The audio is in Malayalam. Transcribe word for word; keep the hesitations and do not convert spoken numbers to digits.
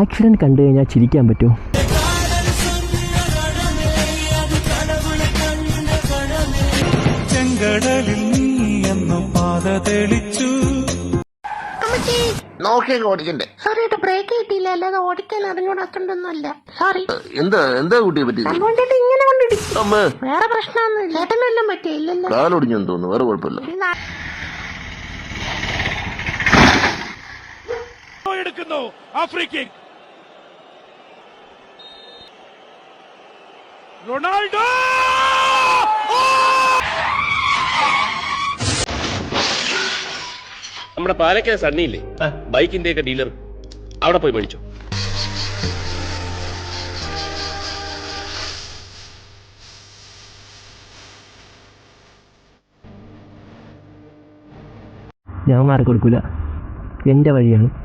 ആക്സിഡന്റ് കണ്ടു കഴിഞ്ഞാൽ ചിരിക്കാൻ പറ്റുമോ? ചെങ്കടലിൽ നീ എന്നു പാത തെളിച്ചു. നോക്കിയൊക്കെ ഓടിക്കണ്ടേ? സോറി കേട്ടോ, ബ്രേക്ക് കിട്ടിയില്ല, അല്ലാതെ ഓടിക്കാൻ അറിഞ്ഞൂടാത്തോണ്ടൊന്നുമല്ല. സോറി. എന്താ എന്താ കുട്ടിയെ പറ്റി? അതുകൊണ്ടിട്ട് ഇങ്ങനെ കൊണ്ടിടിച്ചു. വേറെ പ്രശ്നമൊന്നും ചേട്ടനെല്ലാം പറ്റിയില്ലല്ലോ. കാലൊടിഞ്ഞെന്ന് തോന്നുന്നു, വേറെ കുഴപ്പമില്ല. എടുക്കുന്നു ആഫ്രിക്കൻ റൊണാൾഡോ. നമ്മുടെ പാലക്കാട് സണ്ണിയില്ലേ, ബൈക്കിന്റെ ഒക്കെ ഡീലർ, അവിടെ പോയി മേടിച്ചോ. ഞാൻ മാറി കൊടുക്കൂല, എൻ്റെ വഴിയാണ്.